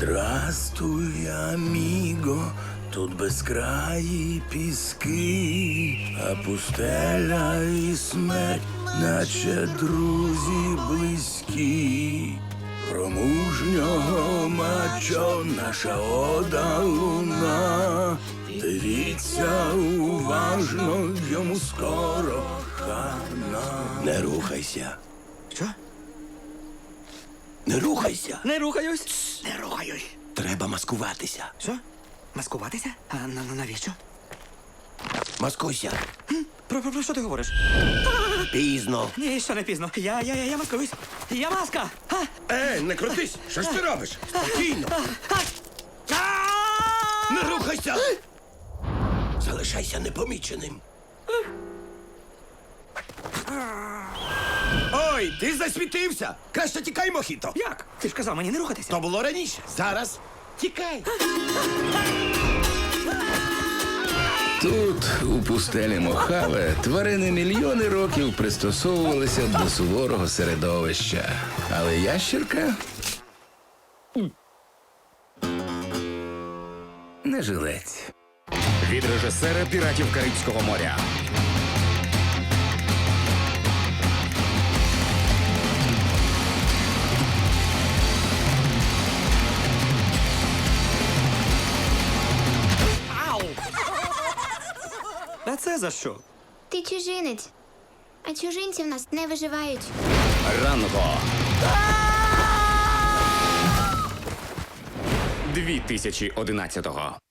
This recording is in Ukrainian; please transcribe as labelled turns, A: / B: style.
A: Здрастуй, аміго, тут безкраї піски, а пустеля і смерть, наче друзі близькі. Про мужнього мачо наша ода луна. Дивіться уважно, йому скоро хана. Не рухайся.
B: Що?
A: Не рухайся.
B: Не рухаюсь.
A: Не рухаюсь. Треба маскуватися.
B: Що? Маскуватися? А навіщо?
A: Маскуйся.
B: Про що ти говориш?
A: Пізно.
B: Ні, ще не пізно. Я маскуюсь. Я маска!
A: Не крутись! Що ж ти робиш? Спокійно. Не рухайся! Залишайся непоміченим. Ой, ти засвітився! Краще тікай, Мохіто!
B: Як? Ти ж казав мені не рухатися.
A: То було раніше. Зараз тікай.
C: Тут, у пустелі Мохаве, тварини мільйони років пристосовувалися до суворого середовища. Але ящірка не жилець.
D: Від режисера «Піратів Карибського моря».
B: А це за що?
E: Ти чужинець, а чужинці в нас не виживають.
D: Ранго. 2011-го.